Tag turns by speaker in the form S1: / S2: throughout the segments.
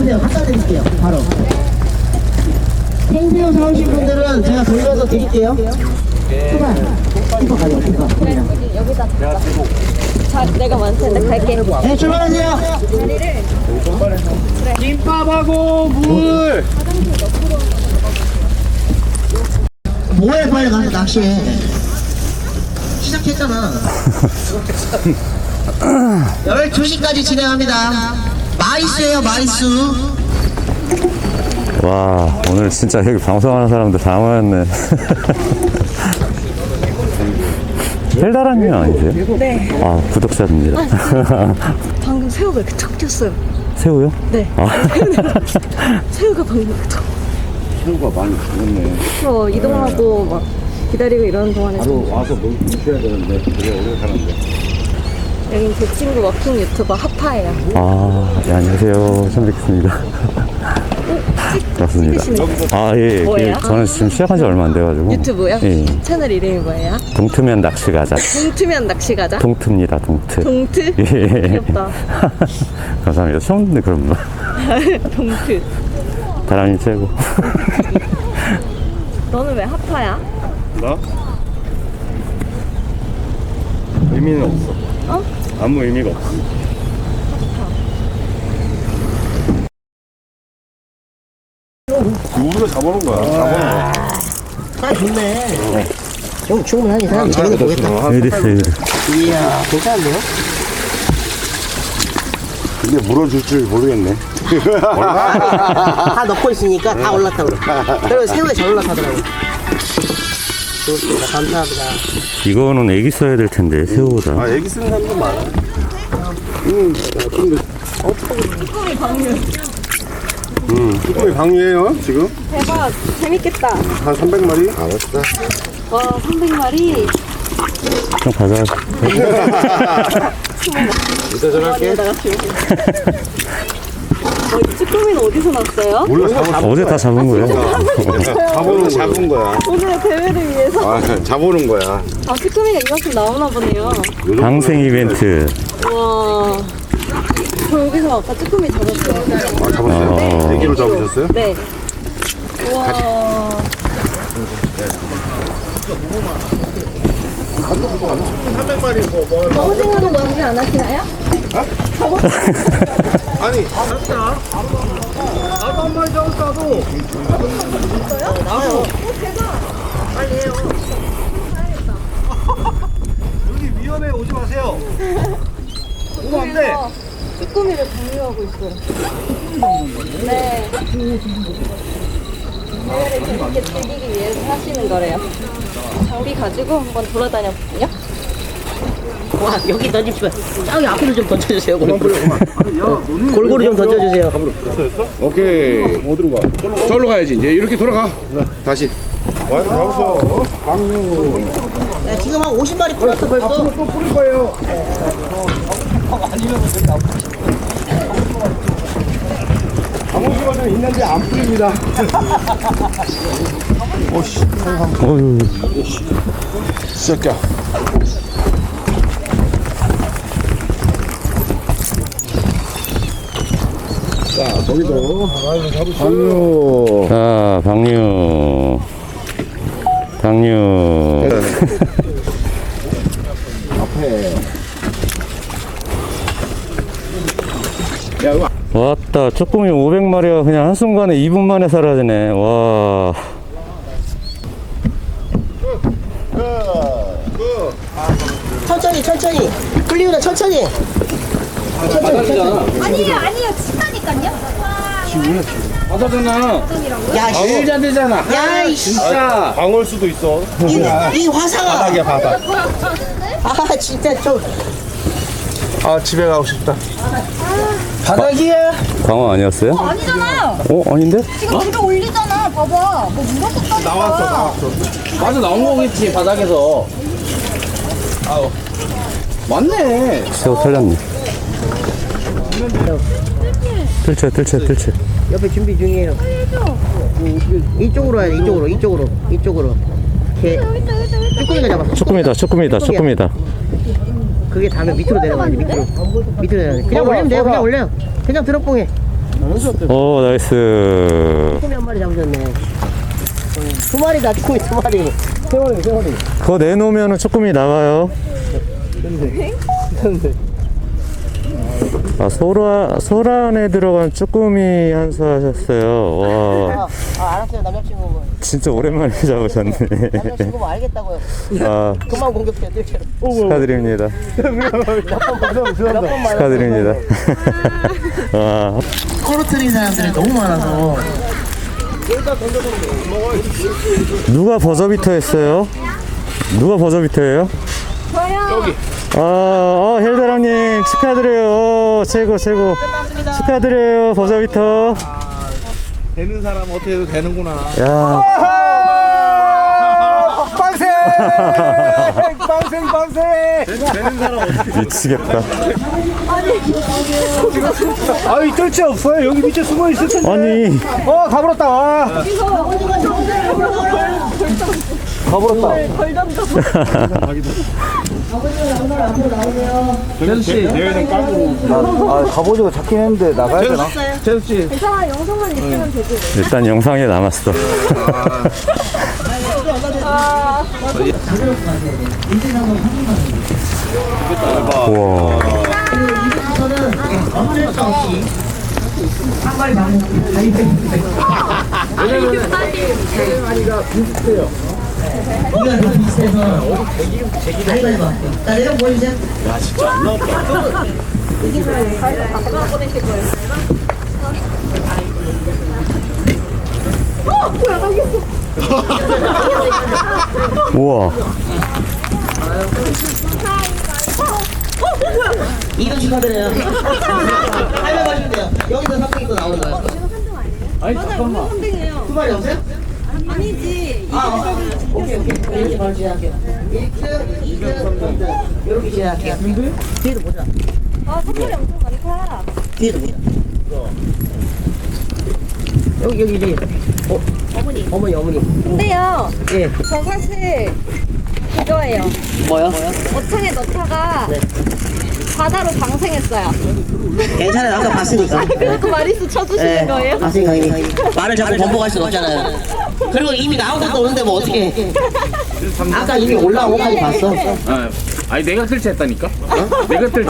S1: 기다려주세요. 갖다 드릴게요. 바로. 생새우 사오신 분들은 제가 돌려서 드릴게요. 출발. 키퍼 가요, 키퍼.
S2: 여기다. 자, 내가 많을 텐데 갈게.
S1: 네, 출발하세요.
S3: 김밥하고 물.
S1: 뭐해, 빨리 가서 낚시해. 시작했잖아. 12시까지 진행합니다. 마리수예요, 마리수.
S4: 와, 오늘 진짜 여기 방송하는 사람들 다 모였네. 헬다라님 아니세요?
S2: 네.
S4: 아, 구독자입니다.
S2: 방금 새우가 이렇게 툭 뛰었어요.
S4: 새우요?
S2: 네.
S4: 아.
S2: 새우가 방금 이렇게 툭.
S3: 새우가 많이 죽었네.
S2: 이동하고 막 기다리고 이러는 동안에
S3: 바로 와서 무셔야 되는데 되게 오래 사는데.
S2: 여긴 제 친구 워킹 유튜버 하파예요.
S4: 아, 예, 안녕하세요. 처음 뵙겠습니다. 맞습니다. 아, 예, 예.
S2: 뭐예요?
S4: 저는 지금 시작한 지 얼마 안 돼가지고.
S2: 유튜브요?
S4: 예.
S2: 채널 이름이 뭐예요?
S4: 동트면 낚시 가자.
S2: 동트면 낚시 가자?
S4: 동트입니다, 동트.
S2: 동트?
S4: 예.
S2: 귀엽다.
S4: 감사합니다. 처음 듣는 그런 말.
S2: 동트.
S4: 다람이 최고.
S2: 너는 왜 하파야?
S3: 나? 의미는 없어.
S2: 어?
S3: 아무 의미가 없어. 우리가 잡아놓은 거야. 잡아놓은 거야.
S1: 아, 좋네. 좀 충분하니 사람 재밌게 보겠다.
S4: 여기 있어, 여기.
S1: 이야, 괜찮은데요?
S3: 근데 물어줄 줄 모르겠네.
S1: 다 넣고 있으니까 다 올라타 그래. 그리고 새우에 잘 올라타더라고. 좋습니다. 감사합니다.
S4: 이거는 애기 써야 될 텐데, 새우보다.
S3: 아, 애기 쓰는 사람도 많아. 근데
S2: 쭈꾸미 방류.
S3: 쭈꾸미 방류예요 지금?
S2: 대박. 재밌겠다.
S3: 한 300마리? 알았어.
S2: 와, 300마리.
S4: 좀 가자.
S3: 이따 전화할게.
S2: 이 쭈꾸미는 어디서 났어요?
S3: 몰라, 잡은
S4: 어제 다 잡은 거예요.
S3: 잡은 거야.
S2: 오늘의 대회를 위해서.
S3: 아, 잡아놓은 거야.
S2: 아, 쭈꾸미가 이만큼 나오나 보네요.
S4: 방생 이벤트.
S2: 우와. 저 여기서 아까 쭈꾸미 잡았어요.
S3: 아, 잡았어요? 애기로 잡으셨어요?
S2: 네. 우와. 갑오징어는 연기 안 하시나요?
S3: 아니,
S1: 나도 한 마리 잡았어, 나도. 나도. 빨리 해요. 여기 위험해, 오지 마세요. 오면 안 돼.
S2: 쭈꾸미를 방류하고 있어요. 네. 대회를 재밌게 즐기기 위해서 하시는 거래요. 장비 가지고 한번 돌아다녀 볼게요.
S1: 와, 여기 던집시면 저기 앞으로 좀 던져주세요. 골고루 좀 던져주세요.
S3: 오케이. 어디로 가? 저로 가야지. 이제 이렇게 돌아가. 다시. 와, 잡았어. 방류.
S1: 야, 지금 한 50마리 풀었어, 벌써.
S3: 또 뿌릴 거예요. 방어수가 좀 있는데 안 뿌립니다. 오씨.
S4: 어휴.
S3: 시작이야. 자, 거기도 방류.
S4: 자, 방류. 방류.
S3: 앞에. 야, 이거
S4: 왔다. 쭈꾸미 500마리가 그냥 한순간에 2분 만에 사라지네. 와.
S1: 천천히, 천천히. 끌리우다, 천천히. 천천히, 천천히.
S5: 아니에요, 아니에요. 친다니까요.
S3: 바다잖아.
S1: 야, 씨.
S3: 제일 잘 되잖아.
S1: 야, 이씨.
S3: 진짜. 방울 수도 있어.
S1: 이 화상아.
S3: 바닥이야, 바닥.
S1: 아, 진짜 좀.
S3: 아, 집에 가고 싶다. 바닥이야.
S4: 광어 아니었어요?
S5: 아니잖아.
S4: 아닌데?
S5: 지금 물에 올리잖아. 봐봐. 뭐 물었었다니까.
S3: 나왔어.
S6: 맞아, 나온 거겠지 바닥에서. 아우 맞네.
S4: 새우 털렸네. 뜰채.
S1: 옆에 준비 중이에요. 이쪽으로 와야 돼, 이쪽으로. 이렇게. 쭈꾸미가 잡았어.
S4: 쭈꾸미다.
S1: 그게 다음에 밑으로 내려가야 돼, 밑으로 내려가야 돼. 그냥 올리면 돼요, 그냥 올려요. 그냥 드롭봉해.
S4: 오, 나이스.
S1: 쭈꾸미 한 마리 잡으셨네. 두 마리다, 쭈꾸미 두 마리.
S4: 그거 내놓으면 쭈꾸미 나와요. 아, 소라 안에 들어간 쭈꾸미 한수 하셨어요. 와,
S1: 알았어요, 남자친구.
S4: 진짜 오랜만에 잡으셨네.
S1: 남자친구 뭐 알겠다고요.
S4: 아,
S1: 그만 공격해요, 뜰채로.
S4: 축하드립니다. 축하드립니다. 와,
S1: 떨어뜨린 사람들이 너무 많아서.
S4: 누가 버저비터 했어요? 누가 버저비터예요? 저요. 헬다랑님 축하드려요. 최고. 축하드려요, 버저비터.
S6: 되는 사람 어떻게 해도 되는구나.
S4: 야.
S3: 빵생 되는 사람 어떻게
S4: 미치겠다.
S3: 아이 뜰채 없어요. 여기 밑에 숨어 있을 텐데.
S4: 아니,
S3: 가버렸다.
S6: 재수씨.
S3: 대회는 깡으로.
S6: 갑오징어 잡긴 했는데 나가야 되나? 재수씨.
S2: 괜찮아, 영상만 있으면 되지.
S4: 일단 영상에 남았어. 우와.
S1: 어쩔 수 없이 한 마리 잡는 이가 더 비슷해서 가위바위보 할게요. 자, 내가 보여주세요. 야, 진짜 안 나왔다.
S4: 우와.
S1: 이거 축하드려요. 가위바위보 하시면 돼요. 여기서 3등이 또 나오는 거예요.
S2: 맞아요, 3등이에요.
S1: 두 마리 없어요?
S2: 아니지.
S1: 오케이. 이렇게 바로 진행할게요. 1등, 2등, 3등. 이렇게 진행할게요. 뒤에도 보자.
S2: 선물이 엄청 많다.
S1: 뒤에도 보자. 여기 이제 어머니.
S2: 근데요,
S1: 예.
S2: 저 사실 그거예요.
S1: 뭐요?
S2: 어창에 넣다가 바다로 방생했어요.
S1: 괜찮아요. 아까 봤으니까.
S2: 그래도 마리수 쳐주시는 거예요?
S1: 봤으니까 이미 말을 자꾸 번복할 수는 없잖아요. 그리고 이미 나온 것도 오는데 뭐 어떻게? 아까 이미 올라온 거까지 봤어.
S6: 아니 내가 뜰채 했다니까? 내가 뜰채.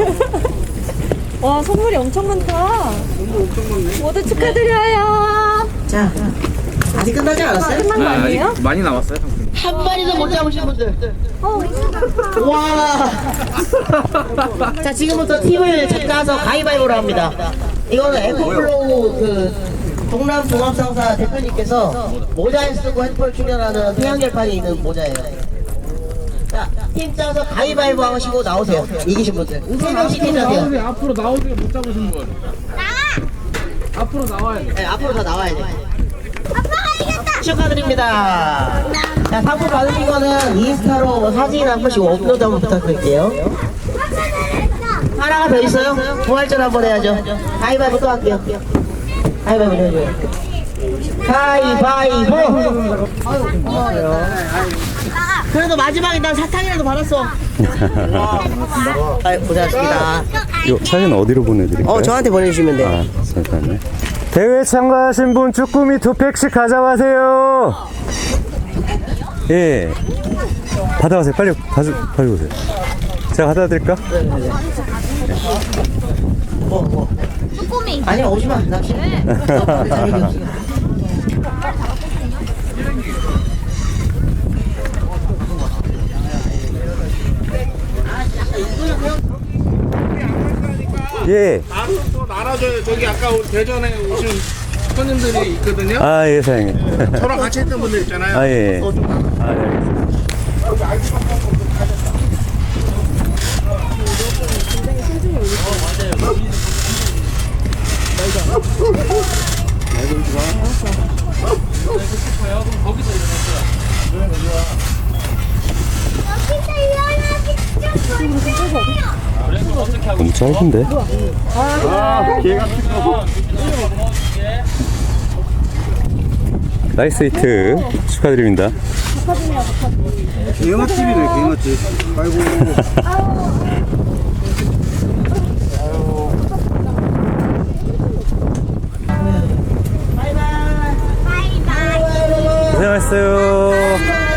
S2: 와, 선물이 엄청 많다. 모두 축하드려요.
S1: 자, 아직 끝나지 않았어요?
S2: 끝난 거 아니에요?
S6: 많이 남았어요.
S1: 한 마리도 못 잡으신 분들. 와. 자, 지금부터 팀을 찾아서 가위바위보를 합니다. 이거는 에코플로우 동남 종합상사 대표님께서 모자에 쓰고 핸드폰 충전하는 태양열판이 있는 모자예요. 자, 팀 짜서 가위바위보 하시고 나오세요. 이기신 분들. 3명씩 팀 짜세요.
S6: 앞으로 나오세요. 못 잡으신 분. 앞으로 나와야 돼.
S1: 네, 앞으로 다 나와야 돼. 축하드립니다. 자, 상품 받으신 거는 인스타로 사진 한 번씩 업로드 한번 부탁드릴게요. 하나가 더 있어요? 부활전 한번 해야죠. 가위바위보 또 할게요. 가위바위보 해줘요. 가위바위보! 그래도 마지막에 난 사탕이라도 받았어. 고생하셨습니다.
S4: 요 사진 어디로 보내드릴까요?
S1: 저한테 보내주시면 돼요.
S4: 아, 잠깐만요. 대회 참가하신 분 쭈꾸미 2팩씩 가져가세요. 예. 받아가세요. 빨리 가져오세요. 제가 갖다 드릴까?
S5: 쭈꾸미.
S1: 아니야, 오지마. 나 싫어.
S4: 예.
S6: 또 나눠줘요. 저기 아까 대전에 오신 손님들이 있거든요.
S4: 아, 예, 사장님.
S6: 저랑 같이 했던 분들 있잖아요.
S4: 아, 예. 아, 네, 알겠습니다. 너무 짧은데? 나이스 히트 축하드립니다.
S3: 개맛집이네 개맛집. 아이고.
S4: 수고하셨어요.